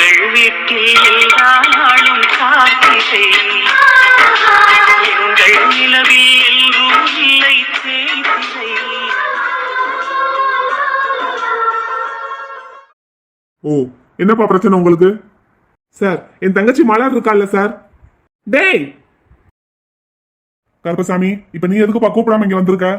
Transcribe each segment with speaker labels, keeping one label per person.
Speaker 1: எங்கள் வீட்டில் எல்லா நாளும் காத்திரை, எங்கள் நிலவில் எல்லோரும் இல்லை தேய்திரை.
Speaker 2: ஓ, என்னப்பா பிரச்சனை உங்களுக்கு? சார், என் தங்கச்சி மலர் இருக்கால சார். டேய் கருப்பசாமி, இப்ப நீ எதுக்குப்பா கூப்பிடாம இங்க வந்திருக்க?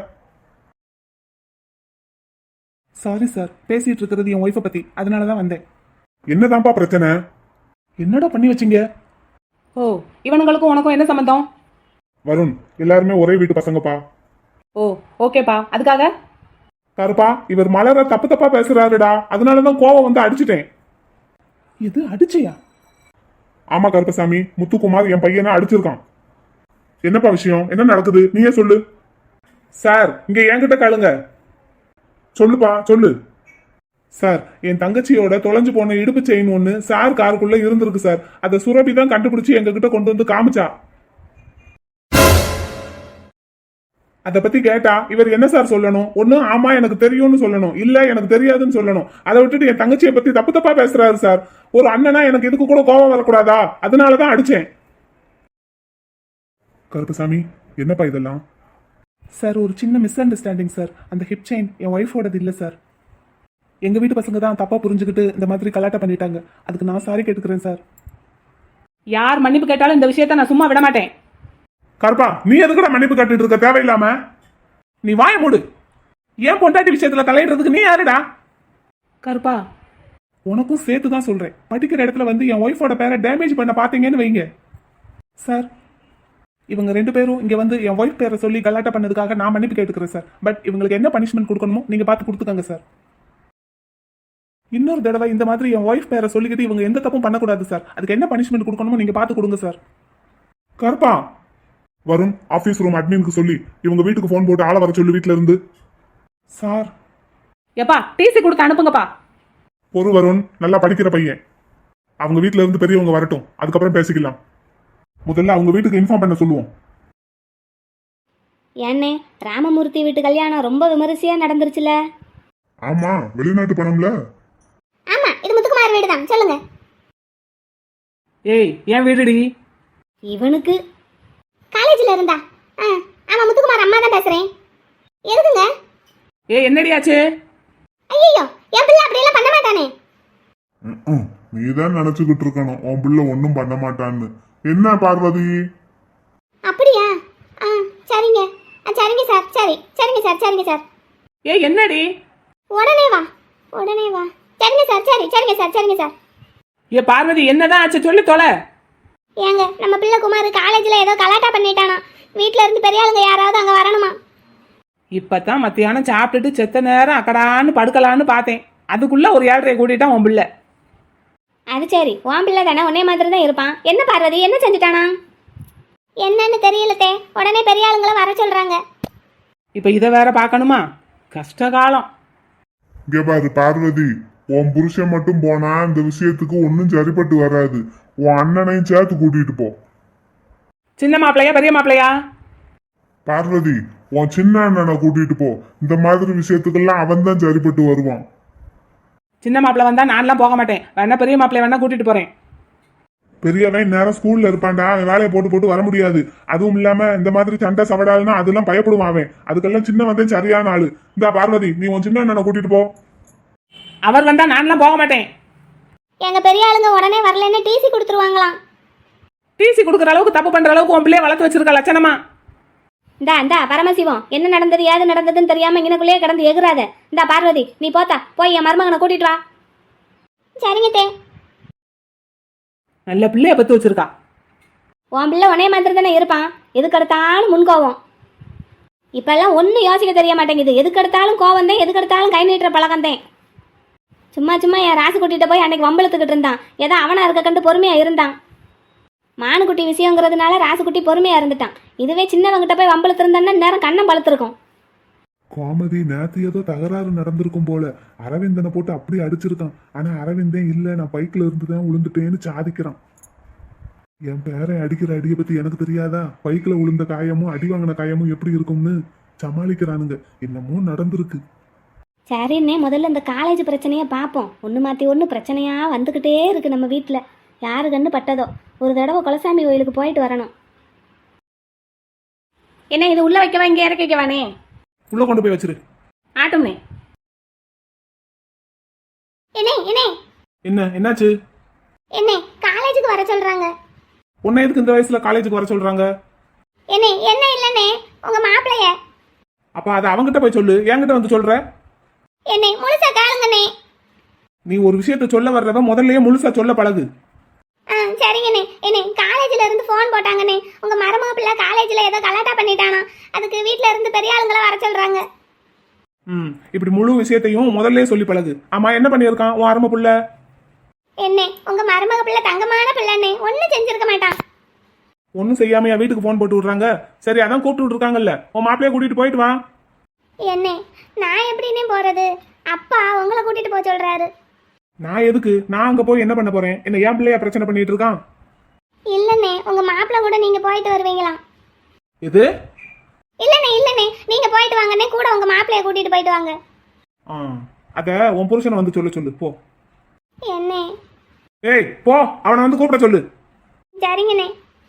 Speaker 3: சாரி சார், பேசிட்டு இருக்கிறது என் ஒய்ஃபை பத்தி, அதனாலதான் வந்தேன்.
Speaker 2: என்னதான்ப்பா பிரச்சனை?
Speaker 3: என்னடா பண்ணி வச்சீங்க? ஓ, இவனுங்களுக்கும் உனக்கும் என்ன சம்பந்தம்?
Speaker 2: வருண், எல்லாருமே ஒரே வீட்டு பசங்கப்பா.
Speaker 3: ஓ, ஓகேப்பா. அதுக்காக
Speaker 2: கருப்பா, இவர் மலர தப்பு தப்பா பேசுறாருடா, அதனாலதான் கோவம் வந்து அடிச்சுட்டேன்.
Speaker 3: இது அடிச்சியா?
Speaker 2: ஆமா கருப்பசாமி, முத்துக்குமார் என் பையனை அடிச்சிருக்கான். என்னப்பா விஷயம்? என்ன நடக்குது? நீயே சொல்லு. சார், இங்க என்கிட்ட கேளுங்க. சொல்லுப்பா, சொல்லு. சார், என் தங்கச்சியோட தொலைஞ்சு போன இடுப்பு செயின் ஒண்ணு சார் காருக்குள்ள இருந்திருக்கு சார். அதை சுரபி தான் கண்டுபிடிச்சு எங்க கிட்ட கொண்டு வந்து காமிச்சா. அதை பத்தி கேட்டா இவர் என்ன சார் சொல்லணும்? ஒண்ணு ஆமா எனக்கு தெரியும்னு சொல்லணும், இல்ல எனக்கு தெரியாதுன்னு சொல்லணும். அதை விட்டுட்டு என் தங்கச்சியை பத்தி தப்பு தப்பா பேசுறாரு சார். ஒரு அண்ணனா எனக்கு இதுக்கு கூட கோபம் வரக்கூடாதா? அதனாலதான் அடிச்சேன். கருப்பசாமி, என்னப்பா இதெல்லாம்?
Speaker 3: சார், ஒரு சின்ன மிஸ் அண்டர்ஸ்டாண்டிங் சார். அந்த ஹிப் செயின் என் ஒய்ஃபோடது இல்லை சார். எங்க வீட்டு பசங்க தான் தப்பா புரிஞ்சுக்கிட்டு இந்த மாதிரி கலாட்டா பண்ணிட்டாங்க. அதுக்கு நான் சாரி கேட்டுக்கிறேன் சார். யார் மன்னிப்பு கேட்டாலும் இந்த விஷயத்த நான் சும்மா விட மாட்டேன்.
Speaker 2: கருப்பா, நீ எதுக்குடா மன்னிப்பு கட்டிட்டு இருக்க தேவையில்லாம?
Speaker 3: நீ வாய மூடு. ஏன் பொண்டாட்டி விஷயத்துல தலையிடுறதுக்கு நீ யாருடா? கருப்பா, உனக்கும் சேர்த்து தான் சொல்றேன். படிக்கிற இடத்துல வந்து என் ஒய்ஃபோட பேரை டேமேஜ் பண்ண பாத்தீங்கன்னு வைங்க சார். இவங்க 2 பேரும் இங்க வந்து என் ஒய்ஃப் பேரை சொல்லி கலாட்டா பண்ணதுக்காக நான் மன்னிப்பு கேட்டுக்கிறேன் சார். பட் இவங்களுக்கு என்ன பனிஷ்மெண்ட் கொடுக்கணுமோ நீங்க பார்த்து கொடுத்துக்கங்க சார். இன்னொரு தடவை இந்த மாதிரி என் ஒய்ஃப் பேரை சொல்லிக்கிட்டு இவங்க எந்த தப்பும் பண்ணக்கூடாது சார். அதுக்கு என்ன பனிஷ்மெண்ட் கொடுக்கணுமோ நீங்க பார்த்து கொடுங்க சார்.
Speaker 2: கருப்பா, வருண், ஆபீஸ் ரூம் அட்மினுக்கு சொல்லி இவங்க வீட்டுக்கு போன் போட்டு ஆள வர சொல்லி வீட்டுல இருந்து.
Speaker 3: சார், எப்பா டிசி கொடுத்து அனுப்புங்கப்பா.
Speaker 2: பொறு வருண், நல்லா படிக்கிற பையன். அவங்க வீட்டுல இருந்து பெரியவங்க வரட்டும், அதுக்கப்புறம் பேசிக்கலாம். முதல்ல அவங்க வீட்டுக்கு இன்ஃபார்ம் பண்ண சொல்லுவோம்.
Speaker 4: ஏன்னே, ராமமூர்த்தி வீட்டு கல்யாணம் ரொம்ப விமரிசையா நடந்துருச்சுல?
Speaker 2: ஆமா, வெளிநாட்டு பணம்ல.
Speaker 4: ஆமா, இது முத்துக்குமார் வீடு தான். சொல்லுங்க.
Speaker 3: ஏய், ஏன் வீடுடி?
Speaker 4: இவனுக்கு காலேஜ்ல இருந்தா. ஆமா, முத்துக்குமார் அம்மா தான் பேசுறேன். எதுக்குங்க?
Speaker 3: ஏய், என்னடி ஆச்சு?
Speaker 4: ஐயோ, என் பிள்ளை அப்படியெல்லாம் பண்ண மாட்டானே.
Speaker 2: நீதான் நினைச்சுக்கிட்டு இருக்கணும் உன் பிள்ளை ஒன்னும் பண்ண மாட்டான்னு. என்ன பார்வதி?
Speaker 4: அப்படியா? சரிங்க. சரிங்க சார். சரிங்க சார். சரிங்க சார்.
Speaker 3: ஏய், என்னடி?
Speaker 4: உடனே வா. சரிங்க சார். சரிங்க சார். சரிங்க சார்.
Speaker 3: ஏ பார்வதி, என்னதான் ஆச்சு சொல்லி தொலை.
Speaker 4: ஏங்க, நம்ம பிள்ளை குமார் காலேஜ்ல ஏதோ கலாட்டா பண்ணிட்டானா. வீட்ல இருந்து பெரிய ஆளுங்க யாராவது அங்க வரணுமா?
Speaker 3: இப்பதான் மத்தியானம் சாப்பிட்டுட்டு செத்த நேரம் அக்கடான்னு படுக்கலான்னு பார்த்தேன். அதுக்குள்ள ஒரு 7:30 கூட்டிட்டான் உன் பிள்ளை.
Speaker 4: அது சரி, உன் பிள்ளை தானே, உன்னே மாதிரி தான் இருப்பான். என்ன பார்வதி, என்ன செஞ்சுட்டானா? என்னன்னு தெரியலத்தே. உடனே பெரிய ஆளுங்களை வர சொல்றாங்க.
Speaker 3: இப்ப இதை வேற பார்க்கணுமா? கஷ்டகாலம்.
Speaker 2: இங்க பாரு பார்வதி, உன் புருஷன் மட்டும் போனா இந்த விஷயத்துக்கு ஒன்னும் சரிப்பட்டு வராது. உன் அண்ணனையும் சேர்த்து கூட்டிட்டு போ.
Speaker 3: சின்ன மாப்பிள்ளையா பெரிய மாப்பிள்ளையா?
Speaker 2: பார்வதி, உன் சின்ன அண்ணனை கூட்டிட்டு போ. இந்த மாதிரி விஷயத்துக்கெல்லாம் அவன் தான் சரிப்பட்டு வருவான்.
Speaker 3: சின்ன மாப்பிள்ளை வந்தா நான்லாம் போக மாட்டேன். வேணா பெரிய மாப்பிள்ளை வேணா கூட்டிட்டு போறேன்.
Speaker 2: பெரியவன் நேரம் ஸ்கூல்ல இருப்பான்டா, வேலையை போட்டு வர முடியாது. அதுவும் இல்லாம இந்த மாதிரி சண்டை சவடால்னா அதெல்லாம் பயப்படுவான் அவன். அதுக்கெல்லாம் சின்ன வந்தே சரியான ஆளு. இந்த பார்வதி, நீ உன் சின்ன அண்ணனை கூட்டிட்டு போ.
Speaker 3: அவர் வந்தா நான்லாம் போக மாட்டேன்.
Speaker 4: எங்க பெரிய ஆளுங்க உடனே வரலன்னு டிசி கொடுத்துருவாங்களாம்.
Speaker 3: டிசி கொடுக்குற அளவுக்கு தப்பு பண்ற அளவுக்கு உன் பிள்ளைய வளர்த்து வச்சிருக்க லட்சணமா?
Speaker 4: இந்தா பரமசிவம், என்ன நடந்தது ஏது நடந்ததுன்னு தெரியாம இங்கனக்குள்ளேயே கிடந்து எகுறாத. இந்தா பார்வதி, நீ போத்தா போய் என் மருமகனை கூட்டிட்டு வா. சரிங்க தே.
Speaker 3: நல்ல பிள்ளைய பத்து வச்சிருக்கா.
Speaker 4: உன் பிள்ளை உனே மாதிரி தானே இருப்பான். எதுக்கு எடுத்தாலும் முன்கோவம். இப்பெல்லாம் ஒன்றும் யோசிக்க தெரிய மாட்டேங்குது. எதுக்கு எடுத்தாலும் கோவம் தான், எதுக்கு எடுத்தாலும் கை நீட்டுற பழக்கம் தான். சும்மா என் ராசு கூட்டிகிட்ட போய் அன்னைக்கு வம்பளத்துக்கிட்டு இருந்தான். ஏதோ அவனா இருக்க கண்டு பொறுமையா இருந்தான். மானுக்குட்டி விஷயங்கிறதுனால ராசுக்குட்டி பொறுமையா இருந்துட்டான். இதுவே சின்னவங்கிட்ட போய் வம்பளத்து இருந்தான்னா நேரம் கண்ணம் பழுத்திருக்கும்.
Speaker 2: கோமதி, நேத்து ஏதோ தகராறு நடந்திருக்கும் போல. அரவிந்தனை போட்டு அப்படி அடிச்சிருக்கான். ஆனா அரவிந்தே இல்ல, நான் பைக்ல இருந்துதான் விழுந்துட்டேன்னு சாதிக்கிறான். என் பேரை அடிக்கிற அடியை பத்தி எனக்கு தெரியாதா? பைக்ல விழுந்த காயமும் அடி வாங்கின காயமும் எப்படி இருக்கும்னு சமாளிக்கிறானுங்க. என்னமோ நடந்திருக்கு.
Speaker 4: சரிண்ணே, முதல்ல இந்த காலேஜ் பிரச்சனையை பார்ப்போம். ஒன்று மாற்றி ஒன்று பிரச்சனையாக வந்துக்கிட்டே இருக்குது நம்ம வீட்டில். யாரு கண்ணு பட்டதோ. ஒரு தடவை குலசாமி கோயிலுக்கு போயிட்டு வரணும். என்ன இது உள்ள வைக்கவா, இங்கே இறக்கி வைக்கவானே?
Speaker 3: உள்ள கொண்டு போய் வச்சிரு.
Speaker 4: ஆட்டம்னே.
Speaker 3: என்ன என்னாச்சு?
Speaker 4: என்ன காலேஜுக்கு வர சொல்றாங்க.
Speaker 3: உன்னை எதுக்கு இந்த வயசுல காலேஜுக்கு வர சொல்றாங்க?
Speaker 4: என்ன இல்லனே, உங்க மாப்பிளைய.
Speaker 3: அப்ப அதை அவங்கிட்ட போய் சொல்லு, என்கிட்ட வந்து சொல்ற?
Speaker 4: முழுசா கேளுங்கண்ணே.
Speaker 3: நீ ஒரு விஷயத்த சொல்ல வர்றவ முதல்லயே முழுசா சொல்ல பழகு.
Speaker 4: சரிங்கண்ணே. காலேஜ்ல இருந்து போன் போட்டாங்கண்ணே. உங்க மருமக காலேஜ்ல ஏதோ கலாட்டா பண்ணிட்டானா, அதுக்கு வீட்ல இருந்து பெரிய ஆளுங்களை வர சொல்றாங்க.
Speaker 3: இப்படி முழு விஷயத்தையும் முதல்லயே சொல்லி பழகு. ஆமா, என்ன பண்ணியிருக்கான் உன் அருமை புள்ள?
Speaker 4: உங்க மருமக பிள்ளை தங்கமான பிள்ளைண்ணே, ஒன்னும் செஞ்சிருக்க மாட்டான்.
Speaker 3: ஒன்னும் செய்யாமையா வீட்டுக்கு போன் போட்டு விடுறாங்க? சரி, அதான் கூப்பிட்டு விட்டுருக்காங்கல்ல, உன் மாப்பிளைய கூட்டிட்டு போயிட்டு வா.
Speaker 4: நான் எப்படின்னே போறது? அப்பா உங்களை கூட்டிட்டு போக சொல்றாரு.
Speaker 3: நான் எதுக்கு? நான் அங்க போய் என்ன பண்ண போறேன்? என்ன ஏன் பிள்ளையா பிரச்சனை பண்ணிட்டு இருக்கான்?
Speaker 4: இல்லண்ணே, உங்க மாப்பிள்ள கூட நீங்க போயிட்டு வருவீங்களா?
Speaker 3: எது?
Speaker 4: இல்லண்ணே, நீங்க போயிட்டு வாங்கண்ணே, கூட உங்க மாப்பிளைய கூட்டிட்டு போயிட்டு வாங்க.
Speaker 3: அத உன் புருஷனை வந்து சொல்லு போ.
Speaker 4: என்ன?
Speaker 3: ஏய் போ, அவனை வந்து கூப்பிட சொல்லு.
Speaker 4: சரிங்கண்ணே.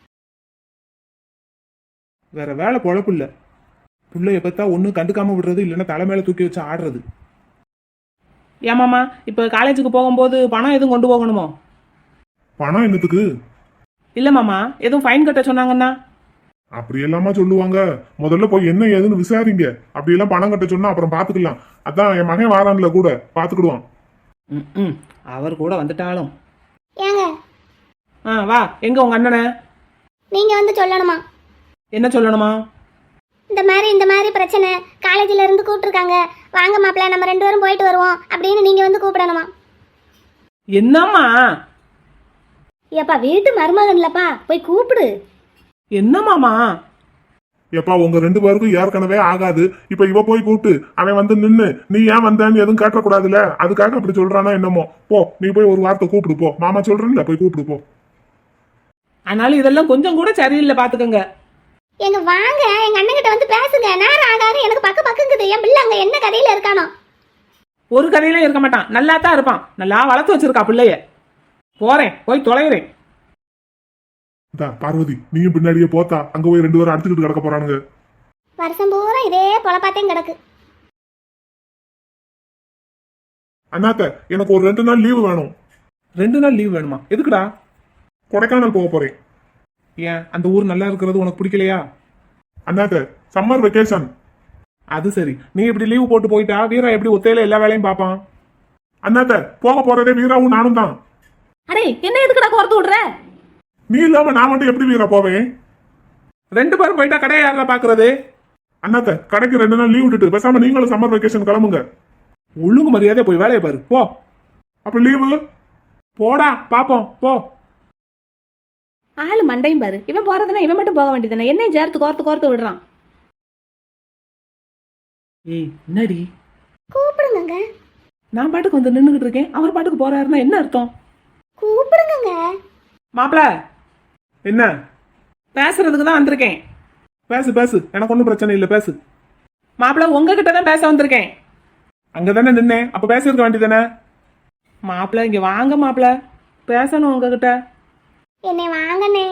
Speaker 3: வேற வேலை பொழப்பு இல்ல. பிள்ளைய பார்த்தா ஒன்னும் கண்டுக்காம விடுறது, இல்லைன்னா தலைமையில தூக்கி வச்சு ஆடுறது. ஏமாமா, இப்ப காலேஜுக்கு போகும்போது பணம் எதுவும் கொண்டு போகணுமோ?
Speaker 2: பணம் என்னத்துக்கு?
Speaker 3: இல்ல மாமா, எதுவும் ஃபைன் கட்ட சொன்னாங்கன்னா?
Speaker 2: அப்படி எல்லாமா சொல்லுவாங்க. முதல்ல போய் என்ன ஏதுன்னு விசாரிங்க. அப்படி எல்லாம் பணம் கட்ட சொன்னா அப்புறம் பாத்துக்கலாம். அதான் என் மகன் வாரான்ல, கூட பாத்துக்கிடுவான்.
Speaker 3: அவர் கூட வந்துட்டாலும்
Speaker 4: ஏங்க
Speaker 3: வா. எங்க உங்க அண்ணனை?
Speaker 4: நீங்க வந்து சொல்லணுமா?
Speaker 3: என்ன சொல்லணுமா?
Speaker 4: இந்த மாதிரி பிரச்சனை, காலேஜ்ல இருந்து கூப்பிட்டுருக்காங்க, வாங்க மாப்பிள்ள நம்ம 2 பேரும் போயிட்டு வருவோம் அப்படின்னு நீங்க வந்து கூப்பிடணுமா?
Speaker 3: என்னம்மா?
Speaker 4: ஏப்பா வீட்டு மருமகன்லப்பா, போய் கூப்பிடு.
Speaker 3: என்ன மாமா?
Speaker 2: எப்பா உங்க 2 பேருக்கும் ஏற்கனவே ஆகாது. இப்ப இவ போய் கூப்பிட்டு அவன் வந்து நின்னு நீ ஏன் வந்தேன்னு எதுவும் கேட்டக்கூடாதுல்ல, அதுக்காக அப்படி சொல்றானா என்னமோ. போ, நீ போய் ஒரு வார்த்தை கூப்பிடு போ. மாமா சொல்றேன்ல, போய் கூப்பிடு போ.
Speaker 3: ஆனாலும் இதெல்லாம் கொஞ்சம் கூட சரியில்லை, பாத்துக்கங்க.
Speaker 4: எங்க வாங்க, எங்க அண்ணன் கிட்ட வந்து பேசுங்க. நேரம் ஆகாது, எனக்கு பக்குங்குது. என் பிள்ளை அங்க என்ன கதையில இருக்கானோ?
Speaker 3: ஒரு கதையில இருக்க மாட்டான், நல்லா தான் இருப்பான். நல்லா வளர்த்து வச்சிருக்கா பிள்ளைய. போறேன், போய் தொலைகிறேன்.
Speaker 2: பார்வதி, நீயும் பின்னாடியே போத்தா. அங்க போய் 2 பேரும் அடிச்சுக்கிட்டு கிடக்க போறானுங்க.
Speaker 4: வருஷம் பூரா இதே பொழப்பாத்தையும் கிடக்கு.
Speaker 2: அண்ணாத்த, எனக்கு ஒரு 2 நாள் லீவு வேணும்.
Speaker 3: 2 நாள் லீவ் வேணுமா? எதுக்குடா?
Speaker 2: கொடைக்கானல் போக போறேன்.
Speaker 3: ஏன், அந்த ஊர் நல்லா இருக்கிறது உனக்கு பிடிக்கலையா?
Speaker 2: அண்ணாத்த, சம்மர் வெக்கேஷன்.
Speaker 3: அது சரி, நீ இப்படி லீவு போட்டு போயிட்டா வீரா எப்படி ஒத்தையில எல்லா வேலையும் பாப்பான்?
Speaker 2: அண்ணாத்த, போக போறதே வீராவும் நானும் தான்.
Speaker 4: அடே, என்ன எதுக்குடா கோர்த்து விடுற?
Speaker 2: நீ இல்லாம நான் மட்டும் எப்படி வீரா போவேன்?
Speaker 3: 2 பேரும் போயிட்டா கடையை யாரா பாக்குறது?
Speaker 2: அண்ணாத்த, கடைக்கு 2 நாள் லீவ் விட்டுட்டு பேசாம நீங்களும் சம்மர் வெக்கேஷன் கிளம்புங்க.
Speaker 3: ஒழுங்கு மரியாதை போய் வேலையை பாரு போ.
Speaker 2: அப்ப லீவு
Speaker 3: போடா, பாப்போம் போ.
Speaker 4: ஆளு மண்டையும் பாரு. இவன் போறதுன்னா இவன் மட்டும் போக வேண்டியதுதானே, என்னையும் சேர்த்து கோர்த்து விடுறான்.
Speaker 3: ஏய் என்னடி?
Speaker 4: கூப்பிடுங்க.
Speaker 3: நான் பாட்டுக்கு வந்து நின்னுகிட்டு இருக்கேன், அவர் பாட்டுக்கு போறாருன்னா என்ன அர்த்தம்?
Speaker 4: கூப்பிடுங்க.
Speaker 3: மாப்பிள, என்ன? பேசுறதுக்கு தான் வந்திருக்கேன். பேசு, எனக்கு ஒன்றும் பிரச்சனை இல்லை, பேசு. மாப்பிள, உங்ககிட்ட தான் பேச வந்திருக்கேன். அங்கதானே நின்னேன், அப்ப பேசிருக்க வேண்டியதானே? மாப்பிள இங்க வாங்க மாப்பிள, பேசணும் உங்ககிட்ட.
Speaker 4: என்னை வாங்கண்ணே.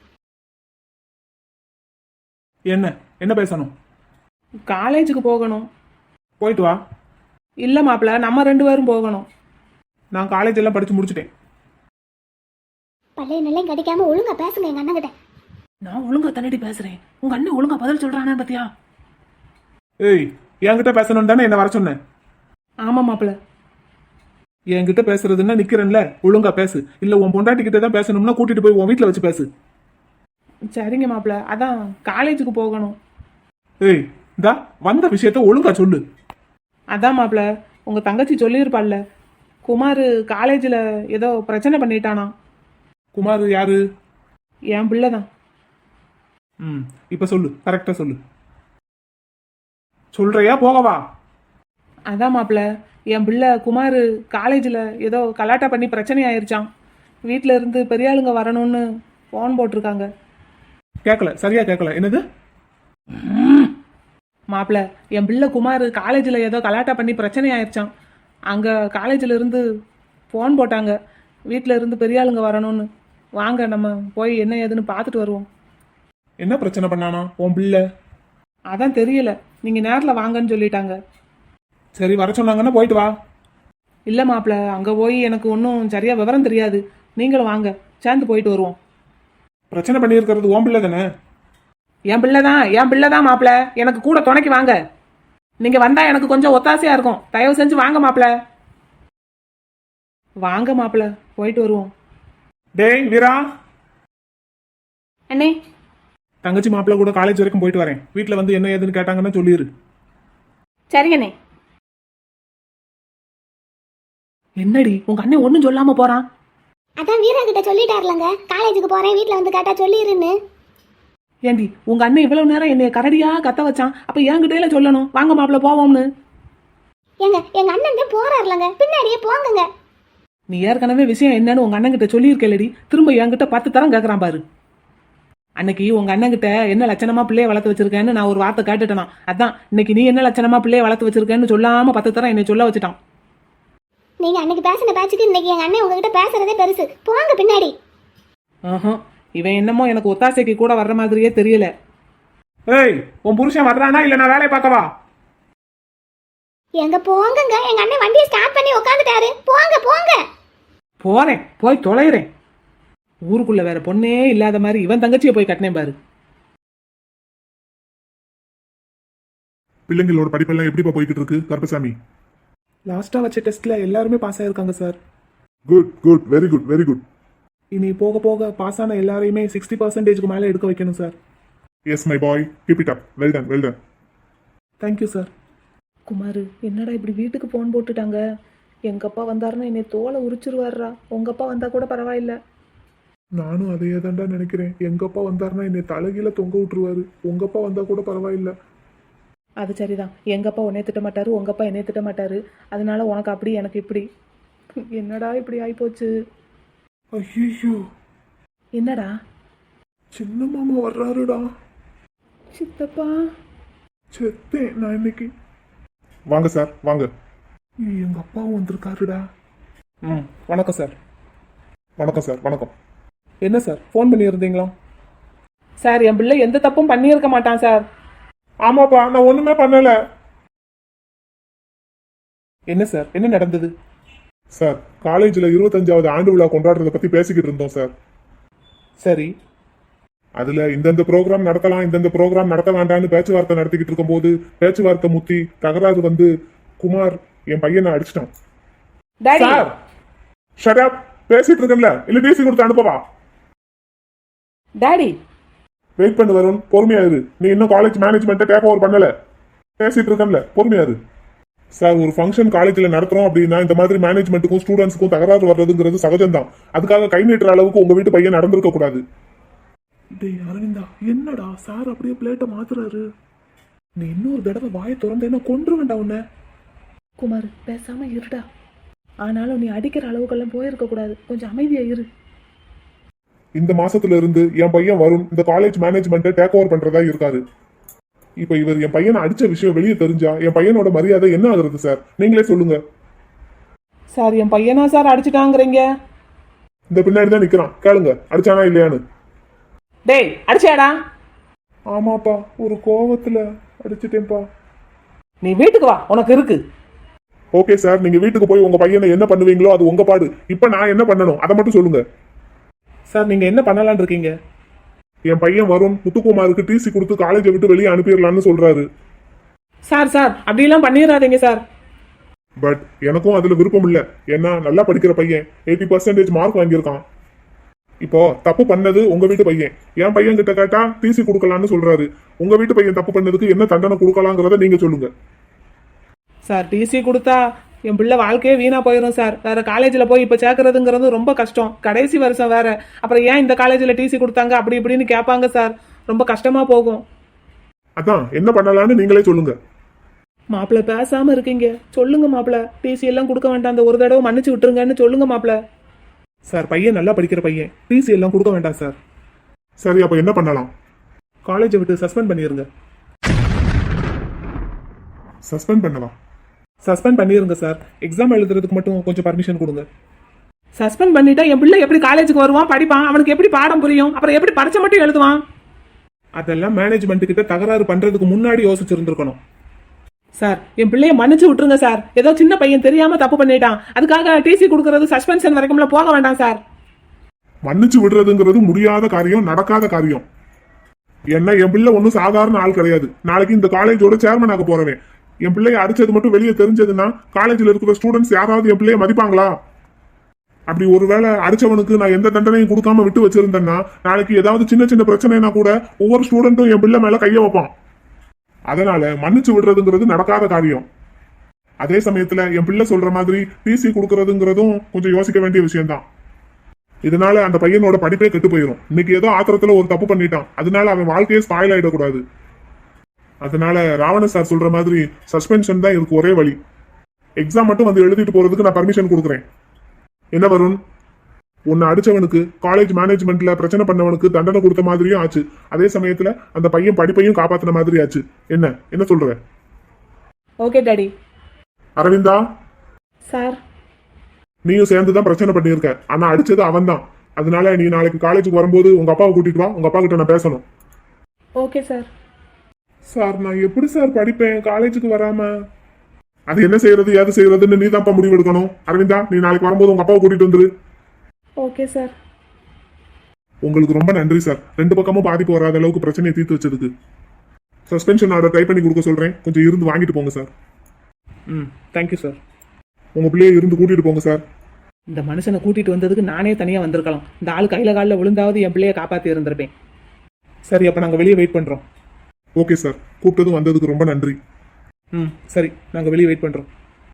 Speaker 3: என்ன பேசணும்? காலேஜுக்கு போகணும். போயிட்டு வா. இல்ல மாப்பிள, நம்ம 2 பேரும் போகணும். நான் காலேஜ் எல்லாம் படிச்சு முடிச்சுட்டேன்.
Speaker 4: பள்ளைய நிலையும் கடிக்காம ஒழுங்கா பேசுங்க எங்க அண்ணன் கிட்ட.
Speaker 3: நான் ஒழுங்கா தண்ணி பேசுறேன், உங்க அண்ணன் ஒழுங்கா பதில் சொல்றானே பாத்தியா? ஏய், என்கிட்ட பேசணும் தானே என்ன வர சொன்னேன்? ஆமா மாப்பிள. என்கிட்ட பேசுறதுன்னா நிக்கிறேன்ல, ஒழுங்கா பேசு. இல்ல உன் பொண்டாட்டி கிட்ட தான் பேசணும்னா கூட்டிட்டு போய் உன் வீட்டுல வச்சு பேசு. சரிங்க மாப்பிள, அதான் காலேஜுக்கு போகணும். ஏய், இந்தா வந்த விஷயத்த ஒழுங்கா சொல்லு. அதான் மாப்பிள, உங்க தங்கச்சி சொல்லியிருப்பாள்ல, குமார் காலேஜில் ஏதோ பிரச்சனை பண்ணிட்டானா. குமார் யாரு? என் பிள்ளை தான். இப்ப சொல்லு, கரெக்டா சொல்லு. சொல்றியா போகவா? அதான் மாப்பிள்ள, என் பிள்ளை குமார் காலேஜில் ஏதோ கலாட்டா பண்ணி பிரச்சனை ஆயிருச்சான். வீட்டில் இருந்து பெரிய ஆளுங்க வரணும்னு ஃபோன் போட்டிருக்காங்க. கேட்கல, சரியா கேட்கல. என்னது? மாப்பிள்ள என் பிள்ளை குமார் காலேஜில் ஏதோ கலாட்டா பண்ணி பிரச்சனை ஆயிடுச்சான். அங்கே காலேஜில் இருந்து ஃபோன் போட்டாங்க, வீட்டில் இருந்து பெரிய ஆளுங்க வரணும்னு. வாங்க நம்ம போய் என்ன ஏதுன்னு பார்த்துட்டு வருவோம்.
Speaker 2: என்ன பிரச்சனை பண்ணானா உன் பிள்ளை?
Speaker 3: அதான் தெரியல, நீங்கள் நேரில் வாங்கன்னு சொல்லிட்டாங்க.
Speaker 2: சரி, வர சொன்னாங்கன்னா போயிட்டு வா.
Speaker 3: இல்லை மாப்பிள்ள, அங்கே போய் எனக்கு ஒன்றும் சரியாக விவரம் தெரியாது. நீங்களும் வாங்க, சேர்ந்து போயிட்டு வருவோம்.
Speaker 2: பிரச்சனை பண்ணியிருக்கிறது உன் பிள்ளை தானே?
Speaker 3: என் பிள்ளை தான் மாப்பிள்ள. எனக்கு கூட துணைக்கு வாங்க. நீங்கள் வந்தால் எனக்கு கொஞ்சம் ஒத்தாசையாக இருக்கும். தயவு செஞ்சு வாங்க மாப்பிள்ள. வாங்க மாப்பிள்ள, போயிட்டு வருவோம்.
Speaker 2: டேய் வீரா,
Speaker 4: அண்ணே,
Speaker 2: தங்கச்சி மாப்பிள்ளை கூட காலேஜ் வரைக்கும் போயிட்டு வரேன். வீட்டில் வந்து என்ன ஏதுன்னு கேட்டாங்கன்னா சொல்லிடு.
Speaker 4: சரிங்கண்ணே.
Speaker 3: என்னடி உங்க அண்ணன் ஒன்றும் சொல்லாம போறான்?
Speaker 4: அதான் வீரா கிட்ட சொல்லிட்டாருலங்க, காலேஜுக்கு போறேன், வீட்டில் வந்து கேட்டா சொல்லிடுன்னு.
Speaker 3: ஏண்டி உங்க அண்ணன் இவ்வளவு நேரம் என்னைய கரடியா கத்த வச்சான், அப்ப என்கிட்டயில சொல்லணும் வாங்க மாப்பிள்ள போவோம்னு.
Speaker 4: எங்க அண்ணன் தான் போறாருலங்க, பின்னாடியே போங்கங்க.
Speaker 3: நீ ஏற்கனவே விஷயம் என்னன்னு உங்க அண்ணன் கிட்ட சொல்லியிருக்கலடி, திரும்ப என்கிட்ட 10 தரம் கேட்கறான் பாரு. அன்னைக்கு உங்க அண்ணன் கிட்ட என்ன லட்சணமா பிள்ளைய வளர்த்து வச்சிருக்கேன்னு நான் ஒரு வார்த்தை கேட்டுட்டேனா, அதான் இன்னைக்கு நீ என்ன லட்சணமா பிள்ளைய வளர்த்து வச்சிருக்கேன்னு சொல்லாம 10 தரம் என்னை சொல்ல வச்சுட்டான்.
Speaker 4: நீங்க அன்னைக்கு பேசின பேச்சுக்கு இன்னைக்கு எங்க அண்ணன் உங்ககிட்ட பேசுறதே பெருசு. போங்க பின்னாடி.
Speaker 3: இவன் என்னமோ எனக்கு ஒத்தாசைக்கு கூட வர்ற மாதிரியே தெரியல.
Speaker 2: ஏய், உன் புருஷன் வர்றானா இல்ல நான் வேலையை பார்க்கவா?
Speaker 4: எங்க போங்கங்க, எங்க அண்ணன் வண்டியை ஸ்டார்ட் பண்ணி உட்காந்துட்டாரு. போங்க போங்க.
Speaker 3: போறேன், போய் தொலைகிறேன். ஊருக்குள்ள வேற பொண்ணே இல்லாத மாதிரி இவன் தங்கச்சியை போய் கட்டினேன் பாரு.
Speaker 2: பிள்ளைங்களோட படிப்பெல்லாம் எப்படிப்பா போய்கிட்டு இருக்கு கருப்பசாமி?
Speaker 3: லாஸ்டா வச்ச டெஸ்ட்ல எல்லாருமே பாஸ் ஆயிருக்காங்க sir.
Speaker 2: Good good, very good very good.
Speaker 3: இனி போக போக பாஸ் ஆன எல்லாரையுமே 60% மேலே எடுக்க வைக்கணும் sir.
Speaker 2: Yes my boy, keep it up. Well done well done.
Speaker 3: Thank you sir. Kumar, என்னடா இப்படி வீட்டுக்கு ஃபோன் போட்டுட்டாங்க? எங்க அப்பா வந்தாருன்னா என்னை தோலை உரிச்சிருவாருடா. உங்க அப்பா வந்தா கூட பரவாயில்ல.
Speaker 2: நானும் அதையே தான்டா நினைக்கிறேன். எங்க அப்பா வந்தாருன்னா என்னை தலைகீழ தொங்க விட்டுருவாரு. உங்க அப்பா வந்தா கூட பரவாயில்ல.
Speaker 3: அது சரிதான், எங்க அப்பா உன்னை திட்ட மாட்டாரு, உங்க அப்பா என்னை திட்ட மாட்டாரு. அதனால உனக்கு அப்படி எனக்கு இப்படி. என்னடா இப்படி ஆயிப்போச்சு.
Speaker 2: ஐயோ,
Speaker 3: என்னடா?
Speaker 2: சின்ன மாமா வர்றாருடா.
Speaker 3: சித்தப்பா,
Speaker 2: செத்தேன் நான் இன்னைக்கு. வாங்க சார் வாங்க. எங்க அப்பாவும் வந்திருக்காருடா.
Speaker 3: வணக்கம் சார்.
Speaker 2: வணக்கம் சார். வணக்கம்.
Speaker 3: என்ன சார் ஃபோன் பண்ணியிருந்தீங்களா? சார், என் பிள்ளை எந்த தப்பும் பண்ணியிருக்க மாட்டான் சார்.
Speaker 2: ஆமாப்பா, நான் ஒண்ணுமே பண்ணல.
Speaker 3: என்ன சார், என்ன நடந்தது?
Speaker 2: சார், காலேஜ்ல 25வது ஆண்டு விழா கொண்டாடுறத பத்தி பேசிக்கிட்டு இருந்தோம் சார்.
Speaker 3: சரி.
Speaker 2: அதுல இந்தந்த ப்ரோக்ராம் நடத்தலாம், இந்தந்த ப்ரோக்ராம் நடத்த வேண்டாம்னு பேச்சுவார்த்தை நடத்திக்கிட்டு இருக்கும்போது பேச்சுவார்த்தை முத்தி தகராறு வந்து குமார் என் பையனை அடிச்சிட்டான்.
Speaker 3: Daddy,
Speaker 2: sir, shut up. பேசிட்டு இருக்கேன்ல, இல்ல டிசி கொடுத்து அனுப்பவா?
Speaker 3: டாடி,
Speaker 2: வெயிட் பண்ணு வருண், பொறுமையா இரு. நீ இன்னும் காலேஜ் மேனேஜ்மெண்ட்டை டேக் ஓவர் பண்ணல. பேசிட்டு இருக்கேன்ல, பொறுமையா இரு. சார், ஒரு ஃபங்க்ஷன் காலேஜில் நடத்துறோம் அப்படின்னா இந்த மாதிரி மேனேஜ்மெண்ட்டுக்கும் ஸ்டூடெண்ட்ஸுக்கும் தகராறு வர்றதுங்கிறது சகஜம்தான். அதுக்காக கை நீட்டுற அளவுக்கு உங்க வீட்டு பையன் நடந்திருக்க கூடாது.
Speaker 3: டேய் அரவிந்தா, என்னடா சார் அப்படியே பிளேட்டை மாத்துறாரு? நீ இன்னொரு தடவை வாயை திறந்தேன்னா கொன்று வேண்டாம் உன்ன. குமார், பேசாம இருடா. ஆனாலும் நீ அடிக்கிற அளவுக்கெல்லாம் போயிருக்க கூடாது, கொஞ்சம் அமைதியா இரு.
Speaker 2: இந்த மாசத்துல இருந்து என் பையன் வருண் இந்த காலேஜ் மேனேஜ்மெண்ட்டை டேக் ஓவர் பண்றதா இருக்காரு. இப்ப இவர் என் பையனை அடிச்ச விஷயம் வெளியே தெரிஞ்சா என் பையனோட மரியாதை என்ன ஆகுறது சார்? நீங்களே சொல்லுங்க.
Speaker 3: சார், என் பையனா சார் அடிச்சுட்டாங்கிறீங்க?
Speaker 2: இந்த பின்னாடி தான் நிக்கிறான், கேளுங்க அடிச்சானா இல்லையான்னு.
Speaker 3: டேய், அடிச்சியாடா?
Speaker 2: ஆமாப்பா, ஒரு கோவத்துல அடிச்சிட்டேன்ப்பா.
Speaker 3: நீ வீட்டுக்கு வா, உனக்கு இருக்கு.
Speaker 2: ஓகே சார், நீங்க வீட்டுக்கு போய் உங்க பையனை என்ன பண்ணுவீங்களோ அது உங்க பாடு. இப்ப நான் என்ன பண்ணணும் அதை மட்டும் சொல்லுங்க.
Speaker 3: சார், நீங்க என்ன பண்ணலாம்னு இருக்கீங்க?
Speaker 2: என் பையன் வருண் முத்துக்குமாருக்கு டிசி கொடுத்து காலேஜை விட்டு வெளியே அனுப்பிடலாம்னு சொல்றாரு.
Speaker 3: சார் சார், அப்படிலாம் பண்ணிடாதீங்க சார்.
Speaker 2: பட் எனக்கும் அதுல விருப்பம் இல்ல. ஏன்னா நல்லா படிக்கிற பையன் 80% மார்க் வாங்கியிருக்கான். இப்போ தப்பு பண்ணது உங்க வீட்டு பையன். என் பையன் கிட்ட கேட்டா டிசி கொடுக்கலாம்னு சொல்றாரு. உங்க வீட்டு பையன் தப்பு பண்ணதுக்கு என்ன தண்டனை கொடுக்கலாங்கிறத நீங்க சொல்லுங்க.
Speaker 3: சார், டிசி கொடுத்தா என் பிள்ளை வாழ்க்கையே வீணா போயிடும் சார். வேற காலேஜில் போய் இப்போ சேர்க்கறதுங்கிறது ரொம்ப கஷ்டம். கடைசி வருஷம் வேற. அப்புறம் ஏன் இந்த காலேஜில் டிசி கொடுத்தாங்க அப்படி இப்படின்னு கேட்பாங்க சார். ரொம்ப கஷ்டமா போகும்.
Speaker 2: அதான் என்ன பண்ணலாம்னு நீங்களே சொல்லுங்க.
Speaker 3: மாப்பிள்ள பேசாம இருக்கீங்க, சொல்லுங்க மாப்பிள்ள. டிசி எல்லாம் கொடுக்க வேண்டாம், அந்த ஒரு தடவை மன்னிச்சு விட்டுருங்கன்னு சொல்லுங்க மாப்பிள்ள. சார், பையன் நல்லா படிக்கிற பையன், டிசி எல்லாம் கொடுக்க வேண்டாம் சார்.
Speaker 2: சரி, அப்ப என்ன பண்ணலாம்?
Speaker 3: காலேஜை விட்டு சஸ்பெண்ட் பண்ணிருங்க.
Speaker 2: சஸ்பெண்ட் பண்ணவா?
Speaker 3: சஸ்பெண்ட் பண்ணிருங்க சார். எக்ஸாம் எழுதுறதுக்கு மட்டும் கொஞ்சம் பர்மிஷன் கொடுங்க. சஸ்பெண்ட் பண்ணிட்டா என் பிள்ளை எப்படி காலேஜுக்கு வருவான், படிப்பான், அவனுக்கு எப்படி பாடம் புரியும், அப்புறம் எப்படி பரீட்சை மட்டும் எழுதுவான்? அதெல்லாம் மேனேஜ்மெண்ட் கிட்ட தகராறு பண்றதுக்கு முன்னாடி யோசிச்சிருந்திருக்கணும். சார், என் பிள்ளைய மன்னிச்சு விட்டுருங்க சார். ஏதோ சின்ன பையன் தெரியாம தப்பு பண்ணிட்டான், அதுக்காக டிசி கொடுக்கறது சஸ்பென்ஷன் வரைக்கும்ல போக வேண்டாம் சார்.
Speaker 2: மன்னிச்சு விடுறதுங்கிறது முடியாத காரியம், நடக்காத காரியம். என்ன, என் பிள்ளை ஒன்றும் சாதாரண ஆள் கிடையாது. நாளைக்கு இந்த காலேஜோட சேர்மன் ஆக போறவன். என் பிள்ளைய அடிச்சது மட்டும் வெளியே தெரிஞ்சதுன்னா காலேஜில் இருக்கிற ஸ்டூடெண்ட்ஸ் யாராவது என் பிள்ளைய மதிப்பாங்களா? அப்படி ஒருவேளை அடிச்சவனுக்கு நான் எந்த தண்டனையும் கொடுக்காம விட்டு வச்சிருந்தேன்னா நாளைக்கு ஏதாவது சின்ன சின்ன பிரச்சனைனா கூட ஒவ்வொரு ஸ்டூடெண்ட்டும் என் பிள்ளை மேல கைய வைப்பான். அதனால மன்னிச்சு விடுறதுங்கிறது நடக்காத காரியம். அதே சமயத்துல என் பிள்ளை சொல்ற மாதிரி டிசி கொடுக்கறதுங்கிறதும் கொஞ்சம் யோசிக்க வேண்டிய விஷயம்தான். இதனால அந்த பையனோட படிப்பே கெட்டு போயிடும். இன்னைக்கு ஏதோ ஆத்திரத்துல ஒரு தப்பு பண்ணிட்டான், அதனால அவன் வாழ்க்கையே ஸ்பாயில் ஆயிடக்கூடாது. அதனால ராவண சார் சொல்ற மாதிரி சஸ்பென்ஷன் தான் இதுக்கு ஒரே வழி. எக்ஸாம் மட்டும் வந்து எழுதிட்டு போறதுக்கு நான் பர்மிஷன் கொடுக்குறேன். என்ன வருண், உன்னை அடிச்சவனுக்கு காலேஜ் மேனேஜ்மெண்ட்ல பிரச்சனை பண்ணவனுக்கு தண்டனை கொடுத்த மாதிரியும் ஆச்சு, அதே சமயத்துல அந்த பையன் படிப்பையும் காப்பாத்தின மாதிரி ஆச்சு. என்ன சொல்ற?
Speaker 3: Okay daddy.
Speaker 2: அரவிந்தா
Speaker 3: சார்,
Speaker 2: நீயும் சேர்ந்துதான் பிரச்சனை பண்ணியிருக்க. ஆனா அடிச்சது அவன் தான். அதனால நீ நாளைக்கு காலேஜுக்கு வரும்போது உங்க அப்பாவை கூட்டிட்டு வா. உங்க அப்பா கிட்ட நான் பேசணும்.
Speaker 3: Okay sir.
Speaker 2: சார், நான் எப்படி சார் படிப்பேன் காலேஜுக்கு வராம? அது என்ன செய்யறது ஏது செய்யறதுன்னு நீ தான்ப்பா முடிவு எடுக்கணும். அரவிந்தா, நீ நாளைக்கு வரும்போது உங்க அப்பாவை கூட்டிட்டு வந்துரு.
Speaker 3: Okay sir.
Speaker 2: உங்களுக்கு ரொம்ப நன்றி சார், ரெண்டு பக்கமும் பாதிப்பு வராத அளவுக்கு பிரச்சனையை தீர்த்து வச்சதுக்கு. சஸ்பென்ஷன் ஆர்டர் டைப் பண்ணி கொடுக்க சொல்றேன், கொஞ்சம் இருந்து வாங்கிட்டு போங்க சார்.
Speaker 3: Thank you sir.
Speaker 2: உங்க பிள்ளையை இருந்து கூட்டிட்டு போங்க சார்.
Speaker 3: இந்த மனுஷனை கூட்டிட்டு வந்ததுக்கு நானே தனியா வந்திருக்கலாம். இந்த ஆள் கையில காலில் விழுந்தாவது என் பிள்ளைய காப்பாத்தி இருந்திருப்பேன். சரி, அப்ப நாங்க வெளியே வெயிட் பண்றோம்.
Speaker 2: ஓகே சார், கூப்பிட்டதும் வந்ததுக்கு ரொம்ப நன்றி.
Speaker 3: சரி, நாங்க வெளியே வெயிட் பண்றோம்.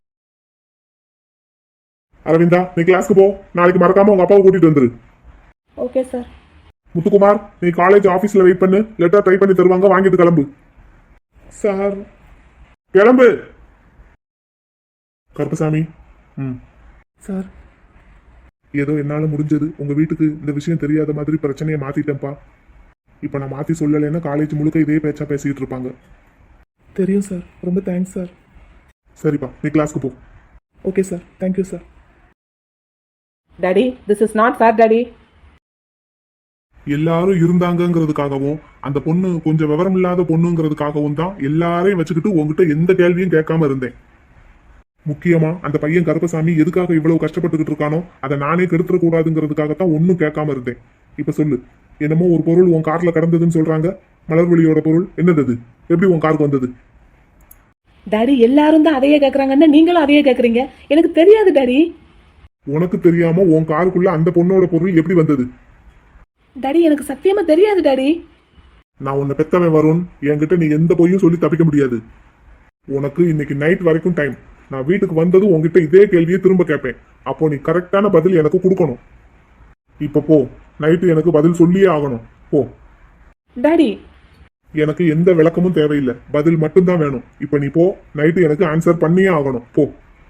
Speaker 2: அரவிந்தா, நீ கிளாஸ்க்கு போ. நாளைக்கு மறக்காம உங்க அப்பாவை கூட்டிட்டு வந்துரு.
Speaker 3: Okay sir.
Speaker 2: முத்துக்குமார், நீ காலேஜ் ஆபீஸ்ல வெயிட் பண்ணு. லெட்டர் டைப் பண்ணி தருவாங்க, வாங்கிட்டு கிளம்பு.
Speaker 3: சார்.
Speaker 2: கிளம்பு. கருப்பசாமி.
Speaker 3: சார்,
Speaker 2: ஏதோ என்னால முடிஞ்சது. உங்க வீட்டுக்கு இந்த விஷயம் தெரியாத மாதிரி பிரச்சனையை மாத்திட்டேன்ப்பா. இப்ப நான் மாத்தி சொல்லலைன்னா காலேஜ் முழுக்க இதே பேச்சா பேசிட்டு இருப்பாங்க.
Speaker 3: தெரியும் சார், ரொம்ப தேங்க்ஸ் சார்.
Speaker 2: சரிப்பா, நீ கிளாஸ்க்கு போ.
Speaker 3: Okay sir, thank you sir. Daddy, this is not fair daddy.
Speaker 2: எல்லாரும் இருந்தாங்கங்கிறதுக்காகவும் அந்த பொண்ணு கொஞ்சம் விவரம் இல்லாத பொண்ணுங்கிறதுக்காகவும் தான் எல்லாரையும் வச்சுக்கிட்டு உங்ககிட்ட எந்த கேள்வியும் கேட்காம இருந்தேன். முக்கியமா அந்த பையன் கருப்பசாமி எதுக்காக இவ்வளவு கஷ்டப்பட்டுக்கிட்டு இருக்கானோ அதை நானே கெடுத்துட கூடாதுங்கிறதுக்காகத்தான் ஒன்னும் கேட்காம இருந்தேன். இப்ப சொல்லு, என்னமோ ஒரு பொருள் உன் கார்ல கடந்ததுன்னு சொல்றாங்க. மலர்வழியோட பொருள் என்னது? அது எப்படி உன் காருக்கு வந்தது?
Speaker 3: டாடி, எல்லாரும் தான் அதையே கேக்குறாங்கன்னா நீங்களும் அதையே கேக்குறீங்க. எனக்கு தெரியாது டாடி.
Speaker 2: உனக்கு தெரியாம உன் காருக்குள்ள அந்த பொண்ணோட பொருள் எப்படி வந்தது?
Speaker 3: டாடி, எனக்கு சத்தியமா தெரியாது டாடி.
Speaker 2: நான் உன்னை பெத்தவன் வருண், என்கிட்ட நீ எந்த பொய்யும் சொல்லி தப்பிக்க முடியாது. உனக்கு இன்னைக்கு நைட் வரைக்கும் டைம். நான் வீட்டுக்கு வந்ததும் உங்ககிட்ட இதே கேள்வியை திரும்ப கேட்பேன். அப்போ நீ கரெக்டான பதில் எனக்கு கொடுக்கணும். இப்ப போ, நைட்டு எனக்கு பதில் சொல்லியே ஆகணும். போ.
Speaker 3: டாடி,
Speaker 2: எனக்கு எந்த விளக்கமும் தேவையில்லை, பதில் மட்டும்தான் வேணும். இப்ப நீ போ, நைட்டு எனக்கு ஆன்சர் பண்ணியே ஆகணும். போ.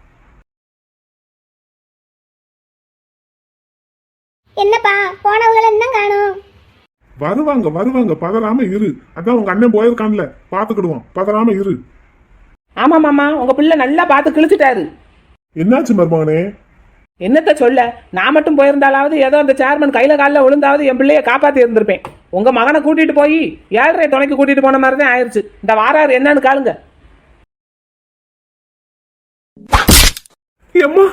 Speaker 4: என்னப்பா, போனவங்களை என்ன காணோம்?
Speaker 2: வருவாங்க, பதறாம இரு. அதான் உங்க அண்ணன் போயிருக்கான்ல, பாத்துக்கிடுவான். பதறாம இரு.
Speaker 3: ஆமா மாமா, உங்க பிள்ளை நல்லா பார்த்து கிழிச்சிட்டாரு.
Speaker 2: என்னாச்சு மருமகனே?
Speaker 3: என்னத்த சொல்ல, நான் மட்டும் போயிருந்தாலாவது ஏதோ அந்த சேர்மன் கையில காலில் விழுந்தாவது என் பிள்ளைய காப்பாத்தி இருந்திருப்பேன். உங்க மகனை கூட்டிட்டு போய் 7:30 துணைக்கு கூட்டிட்டு போன மாதிரி தான் ஆயிடுச்சு. இந்த வாராரு என்னன்னு காலுங்க.
Speaker 2: அம்மா,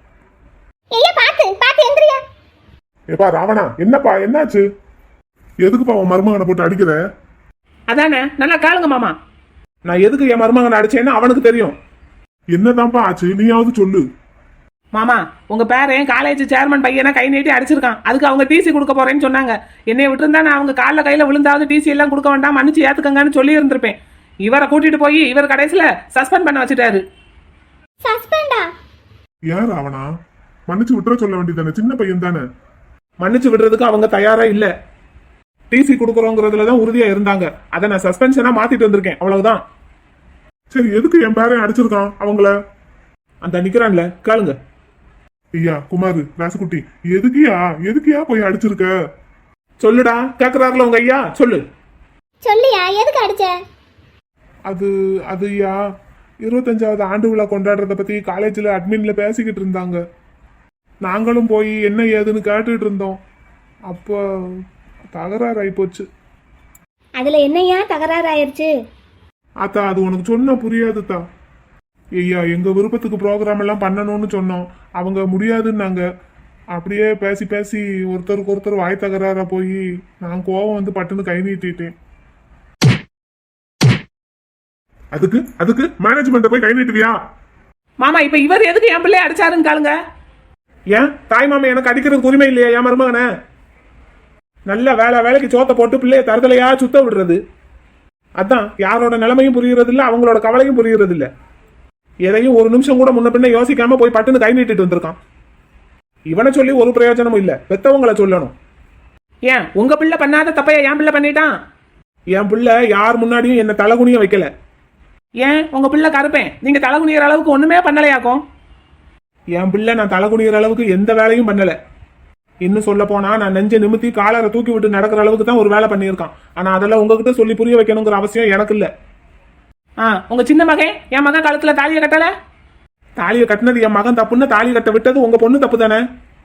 Speaker 4: பாத்து எந்திரியா.
Speaker 2: ஏப்பா ராவணா, என்னப்பா என்னாச்சு? எதுக்குப்பா உன் மருமகனை போட்டு அடிக்கிற?
Speaker 3: அதானே, நல்லா காலுங்க மாமா. நான் எதுக்கு என் மருமகனை அடிச்சேன்னு அவனுக்கு தெரியும்.
Speaker 2: என்னதான்ப்பா ஆச்சு, நீயாவது சொல்லு.
Speaker 3: மாமா, உங்க பேரன் காலேஜ் சேர்மன் பையனை கை நீட்டி அடிச்சிருக்கான். அதுக்கு அவங்க டிசி கொடுக்க போறேன்னு சொன்னாங்க. என்னைய விட்டுருந்தா நான் அவங்க காலில் கையில விழுந்தாவது டிசி எல்லாம் கொடுக்க வேண்டாம், மன்னிச்சு ஏத்துக்கங்கன்னு சொல்லி இருந்திருப்பேன். இவரை கூட்டிட்டு போய் இவர் கடைசியில சஸ்பெண்ட் பண்ண வச்சுட்டாரு.
Speaker 4: சஸ்பெண்டா?
Speaker 2: யார் அவனா? மன்னிச்சு விட்டுற சொல்ல வேண்டியதானே, சின்ன பையன் தானே.
Speaker 3: மன்னிச்சு விடுறதுக்கு அவங்க தயாரா இல்ல. டிசி கொடுக்குறோங்கிறதுலதான் உறுதியா இருந்தாங்க. அதை நான் சஸ்பென்ஷனா மாத்திட்டு வந்திருக்கேன், அவ்வளவுதான்.
Speaker 2: சரி, எதுக்கு என் பேரன் அடிச்சிருக்கான் அவங்கள?
Speaker 3: அந்த நிக்கிறான்ல, கேளுங்க.
Speaker 2: ஐயா குமாரு, ராசுக்குட்டி, எதுக்கியா போய் அடிச்சிருக்க?
Speaker 3: சொல்லுடா, கேக்குறாருல உங்க ஐயா, சொல்லு.
Speaker 4: சொல்லியா, எதுக்கு அடிச்ச?
Speaker 2: அது ஐயா, 25வது ஆண்டு விழா கொண்டாடுறத பத்தி காலேஜ்ல அட்மின்ல பேசிக்கிட்டு இருந்தாங்க. நாங்களும் போய் என்ன ஏதுன்னு கேட்டுட்டு இருந்தோம். அப்போ தகராறு ஆயிப்போச்சு.
Speaker 4: அதுல என்னையா தகராறு ஆயிருச்சு?
Speaker 2: அத்தா அது உனக்கு சொன்னா புரியாதுத்தா. ஐயா எங்க விருப்பத்துக்கு ப்ரோக்ராம் எல்லாம் பண்ணணும்னு சொன்னோம். அவங்க முடியாதுன்னாங்க. அப்படியே பேசி பேசி ஒருத்தருக்கு ஒருத்தர் வாய் தகராறா போய் நான் கோவம் வந்து பட்டுன்னு கை நீட்டிட்டேன். அதுக்கு அதுக்கு மேனேஜ்மெண்ட்டை போய் கை நீட்டுவியா?
Speaker 3: மாமா இப்ப இவர் எதுக்கு என் பிள்ளைய அடிச்சாருன்னு காலுங்க.
Speaker 2: ஏன் தாய் மாமா எனக்கு அடிக்கிறதுக்கு உரிமை இல்லையா என் மருமகனை? நல்ல வேலைக்கு சோத்த போட்டு பிள்ளைய தரதலையா சுத்த விடுறது. அதான் யாரோட நிலைமையும் புரியுறது இல்ல, அவங்களோட கவலையும் புரியுறது இல்ல. எதையும் ஒரு நிமிஷம் கூட முன்ன பின்ன யோசிக்காம போய் பட்டுன்னு கை நீட்டிட்டு வந்திருக்கான். இவனை சொல்லி ஒரு பிரயோஜனமும் இல்ல, பெத்தவங்களை சொல்லணும்.
Speaker 3: ஏன் உங்க பிள்ளை பண்ணாத தப்பையா என் பிள்ளை பண்ணிட்டான்?
Speaker 2: என் பிள்ளை யார் முன்னாடியும் என்ன தலைகுனிய வைக்கல.
Speaker 3: ஏன் உங்க பிள்ளை கருப்பேன், நீங்க தலை குனிகிற அளவுக்கு ஒண்ணுமே பண்ணலையாக்கும்?
Speaker 2: என் பிள்ளை நான் தலைகுனிகிற அளவுக்கு எந்த வேலையும் பண்ணல. இன்னும் சொல்ல போனா நான் நெஞ்ச நிமித்தி காலரை தூக்கி விட்டு நடக்கிற அளவுக்கு தான் ஒரு வேலை பண்ணியிருக்கான். ஆனா அதெல்லாம் உங்ககிட்ட சொல்லி புரிய வைக்கணுங்கிற அவசியம் எனக்கு இல்ல.
Speaker 3: உங்க சின்ன மகன் என் மகன் காலத்துல தாலியை கட்டல?
Speaker 2: தாலியை கட்டினது என் மகன் தப்புன்னு தாலி கட்ட விட்டது உங்க பொண்ணு தப்பு தானே?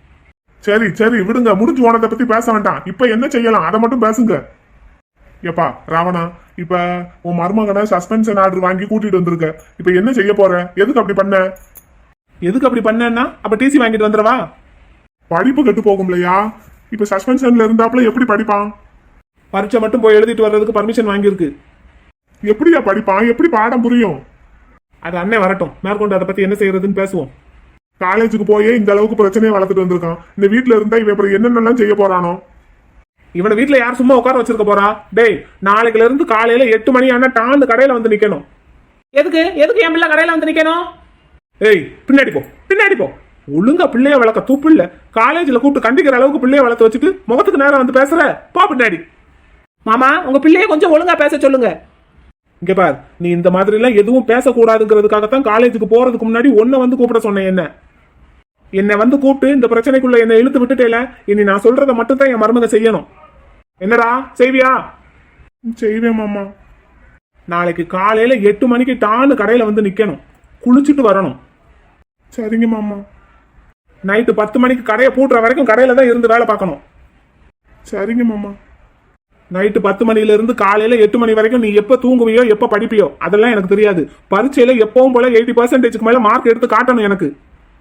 Speaker 2: சரி சரி விடுங்க, முடிஞ்சு போனதை பத்தி பேச வேண்டாம். இப்ப என்ன செய்யலாம் அதை மட்டும் பேசுங்க. எப்பா ராவணா, இப்ப உன் மருமகனை சஸ்பென்ஷன் ஆர்டர் வாங்கி கூட்டிட்டு வந்திருக்க. இப்ப என்ன செய்ய போற? எதுக்கு அப்படி பண்ண?
Speaker 3: எதுக்கு அப்படி பண்ணா அப்ப டிசி வாங்கிட்டு வந்துடவா?
Speaker 2: படிப்பு கெட்டு போகும்லையா? இப்ப சஸ்பென்ஷன்ல இருந்தாப்புல எப்படி படிப்பான்?
Speaker 3: பரீட்சை மட்டும் போய் எழுதிட்டு வர்றதுக்கு பர்மிஷன் வாங்கியிருக்கு.
Speaker 2: எப்படியா படிப்பான்? எப்படி பாடம் புரியும்?
Speaker 3: அது அண்ணன் வரட்டும், மேற்கொண்டு அதை பத்தி என்ன செய்யறதுன்னு பேசுவோம்.
Speaker 2: காலேஜுக்கு போயே இந்த அளவுக்கு பிரச்சனையை வளர்த்துட்டு வந்திருக்கான். இந்த வீட்டுல இருந்தா இவன் அப்புறம் என்னென்னலாம் செய்ய போறானோ?
Speaker 3: இவனை வீட்டுல யார் சும்மா உட்கார வச்சிருக்க போறா? டேய், நாளைக்குல இருந்து காலையில 8 மணி ஆனா டான்னு கடையில வந்து நிக்கணும். எதுக்கு எதுக்கு என் பிள்ளை கடையில வந்து நிக்கணும்?
Speaker 2: ஏய் பின்னாடி போ, பின்னாடி போ.
Speaker 3: ஒழுங்கா பிள்ளைய வளர்க்க தூப்பு இல்ல. காலேஜ்ல கூப்பிட்டு கண்டிக்கிற அளவுக்கு பிள்ளைய வளர்த்து வச்சுட்டு முகத்துக்கு நேரம் வந்து பேசுற போ பின்னாடி. மாமா உங்க பிள்ளைய கொஞ்சம் ஒழுங்கா பேச சொல்லுங்க.
Speaker 2: இங்க பார், நீ இந்த மாதிரி எல்லாம் எதுவும் பேசக்கூடாதுங்கிறதுக்காகத்தான் காலேஜுக்கு போறதுக்கு முன்னாடி ஒன்ன வந்து கூப்பிட சொன்னேன். என்ன வந்து கூப்பிட்டு இந்த பிரச்சனைக்குள்ள என்ன இழுத்து விட்டுட்டேல. இனி நான் சொல்றதை மட்டும் தான் என் மருமக செய்யணும். என்னடா செய்வியா? செய்வேன் மாமா. நாளைக்கு காலையில 8 மணிக்கு டான்னு கடையில வந்து நிக்கணும். குளிச்சுட்டு வரணும். சரிங்க மாமா. நைட்டு 10 மணிக்கு கடையை பூட்டுற வரைக்கும் கடையில தான் இருந்து வேலை பார்க்கணும். சரிங்க மாமா. நைட்டு 10 மணில இருந்து காலையில 8 மணி வரைக்கும் நீ எப்ப தூங்குவியோ எப்ப படிப்பியோ அதெல்லாம் எனக்கு தெரியாது. பரீட்சையில எப்பவும் போல 80% மேல மார்க் எடுத்து காட்டணும் எனக்கு.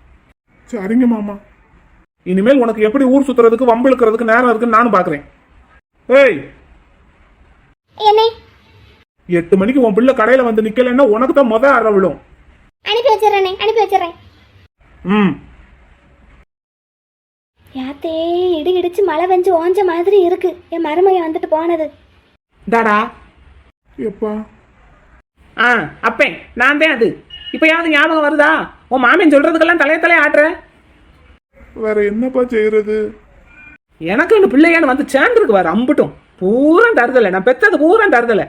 Speaker 2: சரிங்க மாமா. இனிமேல் உனக்கு எப்படி ஊர் சுத்துறதுக்கு வம்பு இழுக்கிறதுக்கு நேரம் இருக்குன்னு நானும் பாக்குறேன். ஏய் 8 மணிக்கு உன் பிள்ளை கடையில வந்து நிக்கலன்னா உனக்கு தான் முத அற விழும்.
Speaker 4: அனுப்பி வச்சிடறேன். யாத்தே இடி இடிச்சு மழை வெஞ்சு ஓஞ்ச மாதிரி இருக்கு. என் மருமைய வந்துட்டு போனது.
Speaker 3: டாடா
Speaker 2: எப்பா?
Speaker 3: அப்பேன் நான் தான் அது. இப்பயாவது ஞாபகம் வருதா? உன் மாமியன் சொல்றதுக்கெல்லாம் தலைய ஆட்டுற.
Speaker 2: வேற என்னப்பா செய்யறது?
Speaker 3: எனக்கு இந்த பிள்ளையான்னு வந்து சேர்ந்துருக்கு வர அம்பட்டும் பூரா தருதலை. நான் பெத்தது பூரா தருதலை.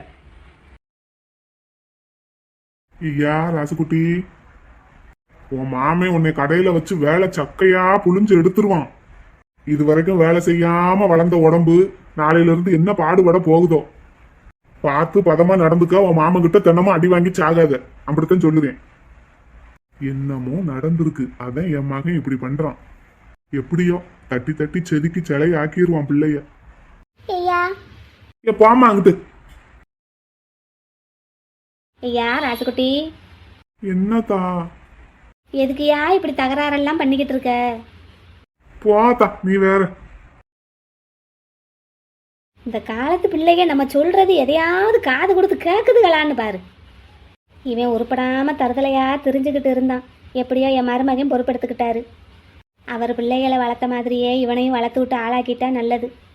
Speaker 2: ஐயா ராசுகுட்டி, உன் மாமே உன்னை கடையில வச்சு வேலை சக்கையா புழிஞ்சு எடுத்துருவான். இது வரைக்கும் வேலை செய்யாம வளர்ந்த உடம்பு நாளையில இருந்து என்ன பாடுபட போகுதோ. பார்த்து பதமா நடந்துக்க. உன் மாமன் கிட்ட தினமும் அடி வாங்கி சாகாத. அப்படித்தான் சொல்லுவேன். என்னமோ நடந்திருக்கு, அதான் என் மகன் இப்படி பண்றான். எப்படியோ தட்டி தட்டி செதுக்கி சிலை ஆக்கிடுவான் பிள்ளைய. போமா அங்கிட்டு.
Speaker 4: ஐயா ராசுகுட்டி,
Speaker 2: என்னத்தா?
Speaker 4: எதுக்குயா இப்படி தகராறெல்லாம் பண்ணிக்கிட்டு இருக்க?
Speaker 2: போத்தா நீ வேற.
Speaker 4: இந்த காலத்து பிள்ளைங்க நம்ம சொல்றது எதையாவது காது கொடுத்து கேக்குதுகளான்னு பாரு. இவன் உருப்படாம தருதலையா தெரிஞ்சுக்கிட்டு இருந்தான். எப்படியோ என் மருமகன் பொறுப்பெடுத்துக்கிட்டாரு. அவர் பிள்ளைகளை வளர்த்த மாதிரியே இவனையும் வளர்த்து விட்டு ஆளாக்கிட்டா நல்லது.